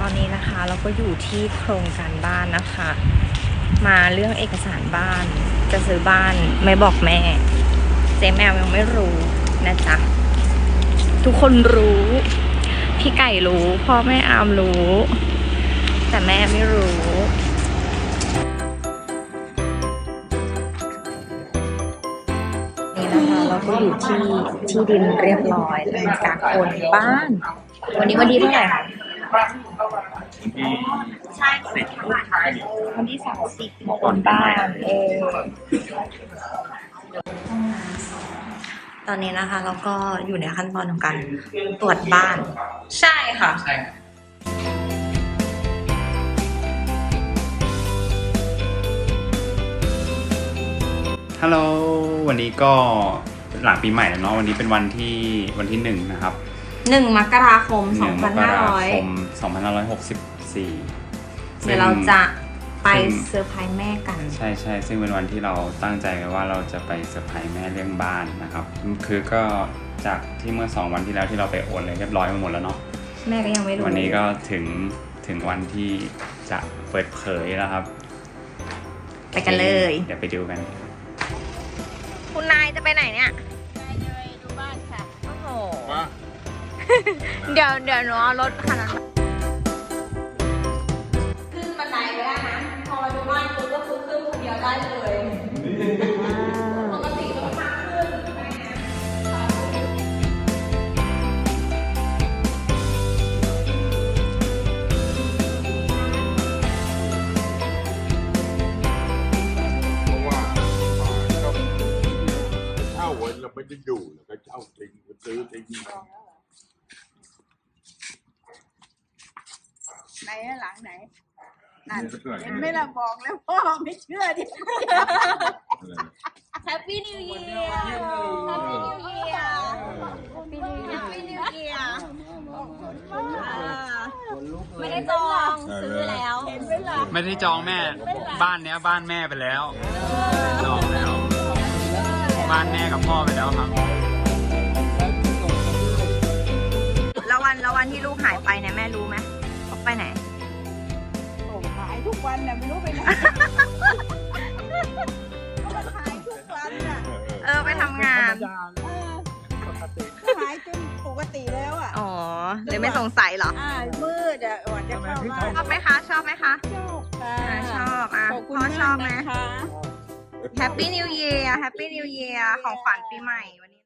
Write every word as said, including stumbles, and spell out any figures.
ตอนนี้นะคะเราก็อยู่ที่โครงการบ้านนะคะ มาเรื่องเอกสารบ้านจะซื้อบ้านไม่บอกแม่เจ๊แมวยังไม่รู้นะจ๊ะทุกคนรู้พี่ไก่รู้พ่อแม่อามรู้ แต่แม่ไม่รู้นี่นะคะเราก็อยู่ที่ที่ดินเรียบร้อยทำการโอนบ้านวันนี้วันที่เท่าไหร่คะใช่วันที่สามสิบโอนบ้านเออตอนนี้นะคะเราก็อยู่ในขั้นตอนของการตรวจบ้านใช่ค่ะใช่ฮัลโหลวันนี้ก็หลังปีใหม่แล้วเนาะวันนี้เป็นวันที่วันที่หนึ่งนะครับหนึ่งมกราคมสองพันห้าร้อยสองพันห้าร้อยหกสิบสี่เดี๋ยวเราจะไปเซอร์ไพรส์แม่กันใช่ใช่ซึ่งเป็นวันที่เราตั้งใจกันว่าเราจะไปเซอร์ไพรส์แม่เรื่องบ้านนะครับคือก็จากที่เมื่อสองวันที่แล้วที่เราไปโอนเลยเรียบร้อยมาหมดแล้วเนาะแม่ก็ยังไม่รู้วันนี้ก็ถึงถึงวันที่จะเปิดเผยแล้วครับไปกันเลยเดี๋ยวไปดูกันคุณนายจะไปไหนเนี่ยนายจะไปดูบ้านค่ะโอ้โหเดี๋ยวเดี๋ยวหนูเอารถคันนั้นขึ้นบันไดไปได้นะพอมาดูบ้านคุณก็คือขึ้นคนเดียวได้เลยปกติต้องพักขึ้นเราไม่ได้ดูเราก็เช่าจริงก็ซื้อจริงไหนหลังไหนนั่นเห็นไหมล่ะบอกแล้วพ่อไม่เชื่อดิแฮปปี้นิวเยียร์แฮปปี้นิวเยียร์แฮปปี้นิวเยียร์ไม่ได้จองซื้อแล้วเห็นไหมล่ะไม่ได้จองแม่บ้านเนี้ยบ้านแม่ไปแล้วจองแล้วบ้านแม่กับพ่อไปแล้วครับแล้ววันแล้ววันที่ลูกหายไปเนี่ยแม่รู้ไหมเขาไปไหนโอ้หายทุกวันน่ะไม่รู้ไปไหนก็หายทุกวันน่ะเออไปทำงานหายจนปกติแล้วอ่ะอ๋อเลยไม่สงสัยเหรออ่ามืดอ่ะก่อนจะเข้าบ้านชอบไหมคะชอบไหมคะชอบค่ะชอบอ่ะพ่อชอบไหมแฮปปี้นิวเยียร์แฮปปี้นิวเยียร์ของขวัญปีใหม่วันนี้